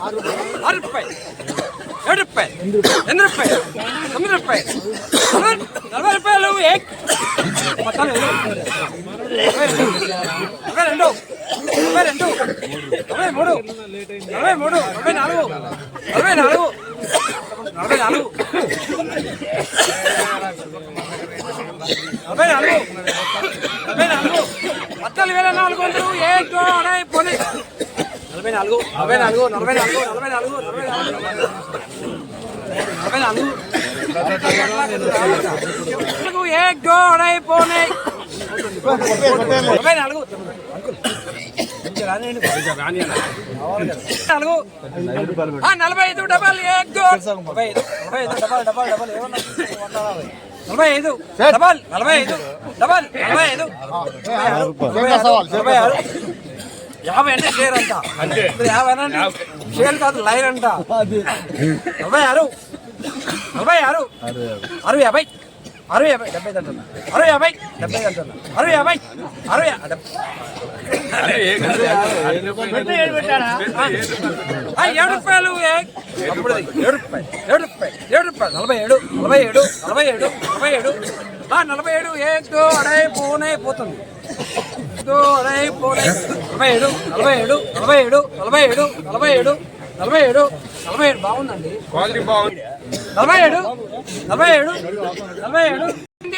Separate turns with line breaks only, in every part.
రూపాయలు 7 రూపాయలు 8 రూపాయలు 9 రూపాయలు 40 రూపాయలు 42 50 అంటే షేర్ అంట 50 అంటే షేర్ కాదు లైన్ అంట 46 50 70 అంటున్నా 50 70 అంటున్నా 7 రూపాయలు 7 47 పోనే పోతుంది 47 బాగుందండి 47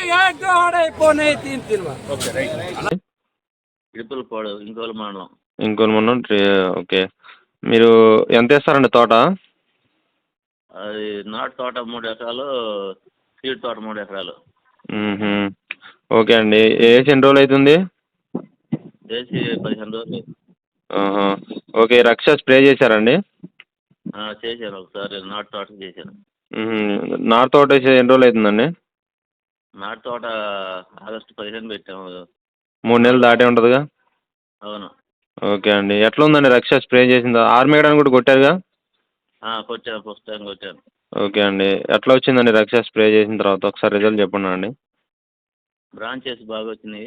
ఇడుపులపాడు ఇంకోలు మండలం.
ఓకే. మీరు ఎంత వేస్తారండి తోట?
అది నాటు తోట 3 ఎకరాలు, సీడ్ తోట 3 ఎకరాలు.
ఓకే అండి. వేసి ఎన్ని రోజులు అవుతుంది?
వేసి 15 రోజులు.
ఓకే. రక్ష స్ప్రే చేశారండి?
చేశాను ఒకసారి, నాటు తోటకి చేశాను.
నాటు తోట వేసి ఎన్ని రోజులు అవుతుందండి?
నాటు తోట ఆగస్టు 15 పెట్టాము.
3 నెలలు దాటే ఉంటుందిగా?
అవును.
ఓకే అండి. ఎట్లా ఉందండి రక్ష స్ప్రే చేసిందా? ఆర్మేయడానికి కూడా కొట్టారుగా?
కొట్టాను, ఫస్ట్ టైం కొట్టాను.
ఓకే అండి. ఎట్లా వచ్చిందండి రక్ష స్ప్రే చేసిన తర్వాత? ఒకసారి రిజల్ట్ చెప్పండి అండి.
బ్రాంచెస్ బాగా వచ్చినాయి.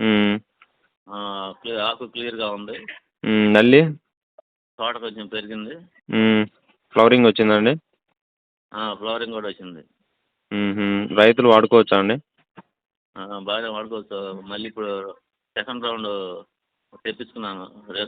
ఆకు క్లియర్గా ఉంది.
నల్లి?
తోట కొంచెం పెరిగింది.
ఫ్లవరింగ్ వచ్చిందండి?
ఫ్లవరింగ్ కూడా వచ్చింది.
రైతులు వాడుకోవచ్చా అండి?
బాగానే వాడుకోవచ్చు. మళ్ళీ ఇప్పుడు సెకండ్ రౌండ్ తెప్పించుకున్నాను.